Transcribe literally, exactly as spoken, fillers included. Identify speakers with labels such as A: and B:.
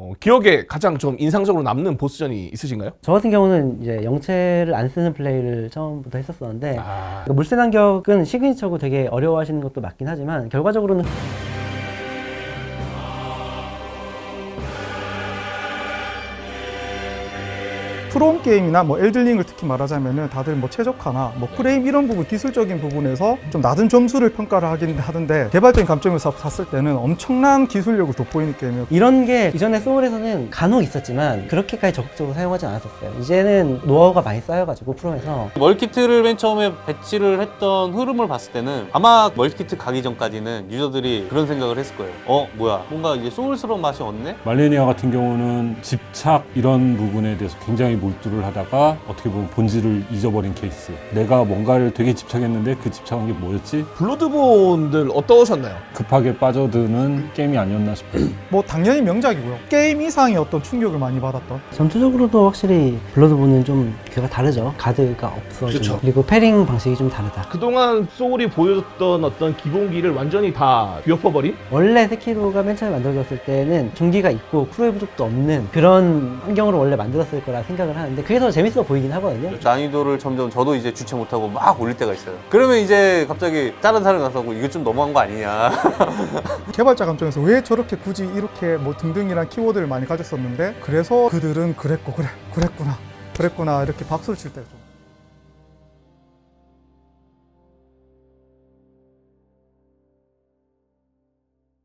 A: 어, 기억에 가장 좀 인상적으로 남는 보스전이 있으신가요?
B: 저 같은 경우는 이제 영체를 안 쓰는 플레이를 처음부터 했었었는데
A: 아...
B: 물새 반격은 시그니처고 되게 어려워하시는 것도 맞긴 하지만 결과적으로는
C: 프롬 게임이나 뭐 엘든링을 특히 말하자면은 다들 뭐 최적화나 뭐 프레임 이런 부분 기술적인 부분에서 좀 낮은 점수를 평가를 하긴 하던데 개발적인 감점에서 샀을 때는 엄청난 기술력을 돋보이는 게임이에요.
B: 이런 게 이전에 소울에서는 간혹 있었지만 그렇게까지 적극적으로 사용하지 않았었어요. 이제는 노하우가 많이 쌓여가지고 프롬에서
D: 멀티키트를 맨 처음에 배치를 했던 흐름을 봤을 때는 아마 멀티키트 가기 전까지는 유저들이 그런 생각을 했을 거예요. 어 뭐야 뭔가 이제 소울스러운 맛이 없네?
E: 말레니아 같은 경우는 집착 이런 부분에 대해서 굉장히 몰두를 하다가 어떻게 보면 본질을 잊어버린 케이스. 내가 뭔가를 되게 집착했는데 그 집착한 게 뭐였지?
A: 블러드본들 어떠셨나요?
E: 급하게 빠져드는 게임이 아니었나 싶어요.
C: 뭐 당연히 명작이고요. 게임 이상의 어떤 충격을 많이 받았던.
B: 전투적으로도 확실히 블러드본은 좀 그가 다르죠. 가드가 없어지고
A: 그쵸.
B: 그리고 패링 방식이 좀 다르다.
A: 그동안 소울이 보여줬던 어떤 기본기를 완전히 다 뒤엎어버린?
B: 원래 세키로가 맨 처음에 만들어졌을 때는 중기가 있고 크루의 부족도 없는 그런 환경으로 원래 만들었을 거라 생각을 하는데 그게 더 재밌어 보이긴 하거든요.
D: 난이도를 점점 저도 이제 주체 못하고 막 올릴 때가 있어요. 그러면 이제 갑자기 다른 사람이 가서 이거 좀 너무한 거 아니냐.
C: 개발자 감정에서 왜 저렇게 굳이 이렇게 뭐 등등이란 키워드를 많이 가졌었는데 그래서 그들은 그랬고 그래 그랬구나 그랬구나 이렇게 박수를 칠 때가 좀